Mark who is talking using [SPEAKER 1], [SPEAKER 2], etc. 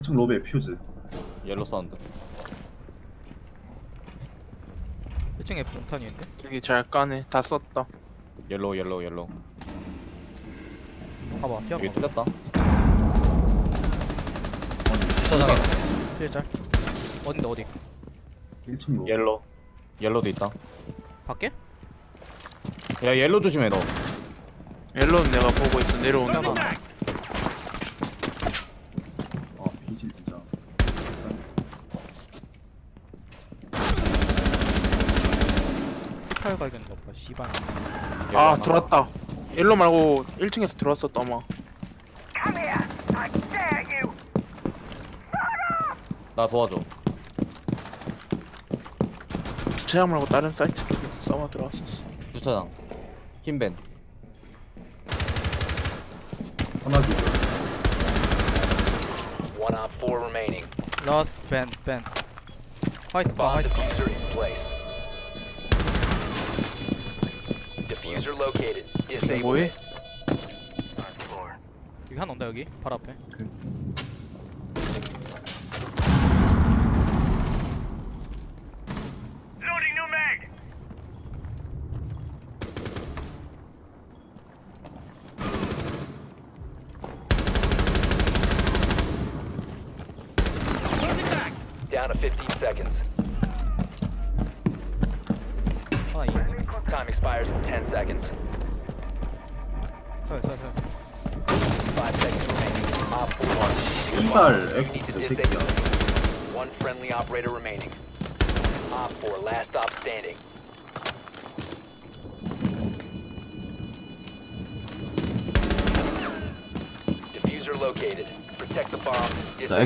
[SPEAKER 1] 1층 로베 퓨즈.
[SPEAKER 2] 옐로 사운드.
[SPEAKER 3] 1층에 폭탄이 있는데?
[SPEAKER 4] 되게 잘 까네. 다 썼다.
[SPEAKER 2] 옐로우 옐로우 옐로우.
[SPEAKER 3] 봐봐
[SPEAKER 2] 여기
[SPEAKER 3] 뛰어봐
[SPEAKER 2] 뚫렸다.
[SPEAKER 3] 뒤에 짤 어딘데 어디?
[SPEAKER 1] 1층 로베.
[SPEAKER 2] 옐로우. 옐로우도 있다.
[SPEAKER 3] 밖에?
[SPEAKER 2] 야 옐로우 조심해 너.
[SPEAKER 4] 옐로는 내가 보고 있어. 내려오는 거.
[SPEAKER 1] 아 비질 진짜.
[SPEAKER 3] 피탈 갈겼나 보다 씨발.
[SPEAKER 2] 옐로우
[SPEAKER 4] 아
[SPEAKER 2] 하나.
[SPEAKER 4] 들어왔다. 옐로 말고 1층에서 들어왔었다 아마.
[SPEAKER 2] 나 도와줘.
[SPEAKER 4] 주차장 말고 다른 사이트 쪽에서 싸워 들어왔었어.
[SPEAKER 2] 주차장. 흰벤.
[SPEAKER 1] 하나 기절.
[SPEAKER 5] One op 4 remaining.
[SPEAKER 3] 라스 밴 화이트 봐
[SPEAKER 5] Bomb
[SPEAKER 3] 화이트
[SPEAKER 5] diffuser in place. Diffuser located.
[SPEAKER 4] 이게
[SPEAKER 5] Disable
[SPEAKER 4] 뭐해?
[SPEAKER 5] it.
[SPEAKER 3] 여기 하나 온다 여기 바로 앞에.
[SPEAKER 5] Down to 15 seconds.
[SPEAKER 3] 하나 있는데?
[SPEAKER 5] Time expires in 10 seconds.
[SPEAKER 3] 서요
[SPEAKER 5] 5 seconds remaining. Op 4 located.
[SPEAKER 1] 이발
[SPEAKER 5] You need
[SPEAKER 1] 에코
[SPEAKER 5] to
[SPEAKER 1] 새끼야.
[SPEAKER 5] disable it. One friendly operator remaining. Op 4 last stop standing. Diffuser located. Protect the bomb.
[SPEAKER 1] 자,
[SPEAKER 5] Disable